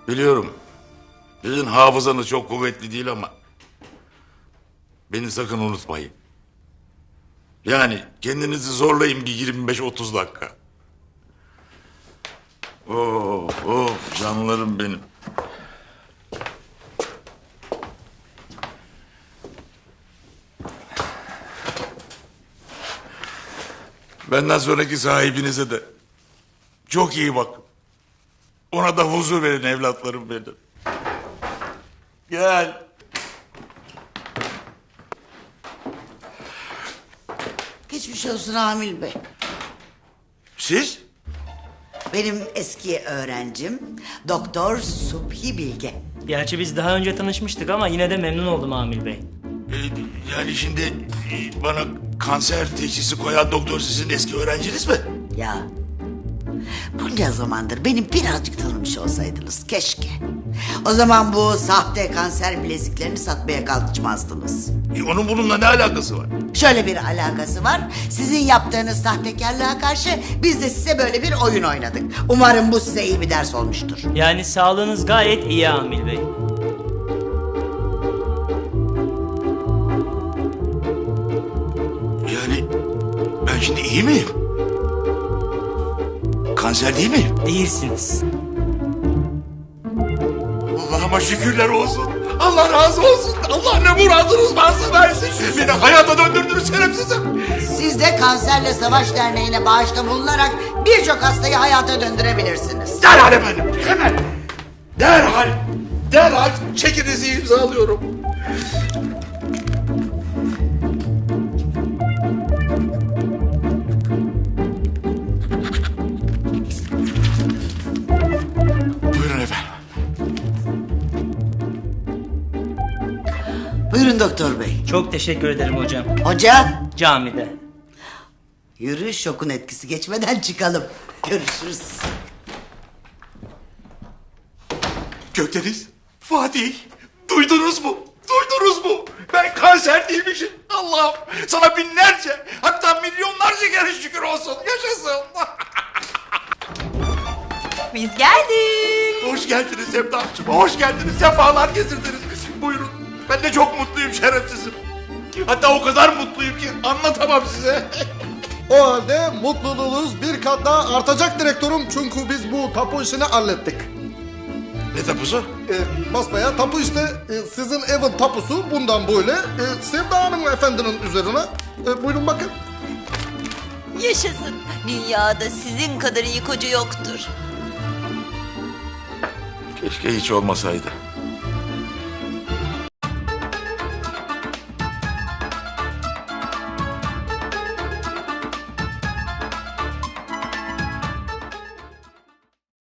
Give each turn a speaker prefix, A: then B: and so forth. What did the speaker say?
A: Biliyorum. Sizin hafızanız çok kuvvetli değil ama... beni sakın unutmayın. Yani kendinizi zorlayın bir 25-30 dakika. Of canlarım benim. Benden sonraki sahibinize de çok iyi bakın. Ona da huzur verin evlatlarım benim. Gel.
B: Geçmiş olsun Amil Bey.
A: Siz?
B: Benim eski öğrencim Doktor Subhi Bilge.
C: Gerçi biz daha önce tanışmıştık ama yine de memnun oldum Amil Bey.
A: Yani şimdi bana kanser teşhisi koyan doktor sizin eski öğrenciniz mi?
B: Ya bunca zamandır beni birazcık tanımış olsaydınız keşke. O zaman bu sahte kanser bileziklerini satmaya kalkışmazdınız.
A: Onun bununla ne alakası var?
B: Şöyle bir alakası var. Sizin yaptığınız sahtekarlığa karşı biz de size böyle bir oyun oynadık. Umarım bu size iyi bir ders olmuştur.
C: Yani sağlığınız gayet iyi Amil Bey.
A: Yani ben şimdi iyi miyim? Kanser değil miyim?
C: Değilsiniz.
A: Allah'ıma şükürler olsun. Allah razı olsun. Allah ne muradınız varsa versin. Beni hayata döndürdünüz şerefsizim.
B: Siz de Kanserle Savaş Derneği'ne bağışta bulunarak birçok hastayı hayata döndürebilirsiniz.
A: Derhal efendim. Hemen. Derhal. Derhal çekinizi imzalıyorum. Buyurun efendim.
B: Buyurun doktor bey.
C: Çok teşekkür ederim hocam.
B: Hoca,
C: Camide.
B: yürü şokun etkisi geçmeden çıkalım. Görüşürüz.
A: Gökdeniz, Fatih, duydunuz mu? Duydunuz mu? Ben kanser değilmişim. Allah'ım sana binlerce hatta milyonlarca kere şükür olsun. Yaşasın.
D: Biz geldik.
A: Hoş geldiniz Sevdacığım. Hoş geldiniz. Sefalar getirdiniz. Buyurun. Ben de çok mutluyum şerefsizim. Hatta o kadar mutluyum ki anlatamam size.
E: O halde mutluluğunuz bir kat daha artacak direktörüm çünkü biz bu tapu işini hallettik.
A: Ne tapusu?
E: Basbayağı tapu işte sizin evin tapusu bundan böyle Sevda Hanım efendinin üzerine. Buyurun bakın.
D: Yaşasın. Dünyada sizin kadar iyi koca yoktur.
A: Keşke hiç olmasaydı.